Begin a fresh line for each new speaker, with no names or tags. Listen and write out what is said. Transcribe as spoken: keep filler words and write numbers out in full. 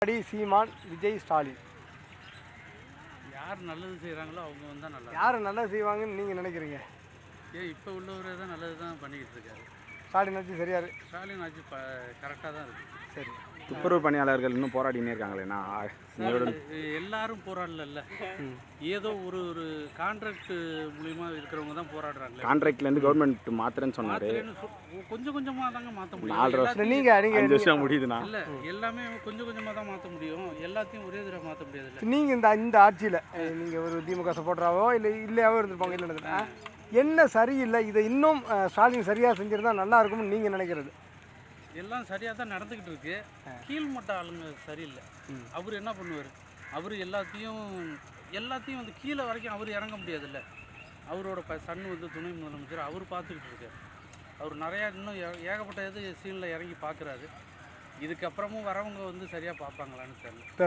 எடப்பாடி, சீமான், விஜய், ஸ்டாலின்
யார் நல்லது செய்கிறாங்களோ அவங்க வந்தால் நல்லா.
யார் நல்லது செய்வாங்கன்னு நீங்கள் நினைக்கிறீங்க?
ஏன் இப்போ உள்ளவரே தான் நல்லது தான் பண்ணிக்கிட்டு இருக்காரு.
ஸ்டாலின் ஆட்சி சரியாரு.
ஸ்டாலின் ஆட்சி ப கரெக்டாக தான் இருக்குது.
சரி,
துப்புரவு பணியாளர்கள் இன்னும் போராடினே இருக்காங்களேண்ணா.
எல்லாரும் போராடல. ஏதோ ஒரு ஒரு கான்ட்ராக்ட் மூலியமா இருக்கிறவங்க தான் போராடுறாங்க.
கான்ட்ராக்ட்லேருந்து கவர்மெண்ட் மாத்திரன்னு சொன்னார்.
கொஞ்சம் கொஞ்சமாக தாங்க மாற்ற முடியும்.
நாலு வருஷம்
நீங்கள்
அஞ்சு வருஷம் முடியுதுண்ணா.
இல்லை, எல்லாமே கொஞ்சம் கொஞ்சமாக தான் மாற்ற முடியும். எல்லாத்தையும் ஒரே தடவை மாற்ற முடியாது.
நீங்கள் இந்த இந்த ஆட்சியில் நீங்கள் ஒரு திமுக சப்போர்ட்டராகவோ இல்லை இல்லையாவோ இருந்திருப்பாங்க. இல்லை என்ன சரியில்லை, இதை இன்னும் ஸ்டாலின் சரியாக செஞ்சிருந்தா நல்லா இருக்கும்னு நீங்கள் நினைக்கிறது?
எல்லாம் சரியாக தான் நடந்துக்கிட்டு இருக்கு. கீழ்மட்ட ஆளுங்க சரியில்லை. அவர் என்ன பண்ணுவார்? அவர் எல்லாத்தையும் எல்லாத்தையும் வந்து கீழே வரைக்கும் அவர் இறங்க முடியாதுல்ல. அவரோட ப சன் வந்து துணை முதலமைச்சர், அவர் பார்த்துக்கிட்டு இருக்கார். அவர் நிறையா இன்னும் ஏகப்பட்ட இது சீனில் இறங்கி பார்க்குறாரு. இதுக்கப்புறமும் வரவங்க வந்து சரியாக பார்ப்பாங்களான்னு தெரியல.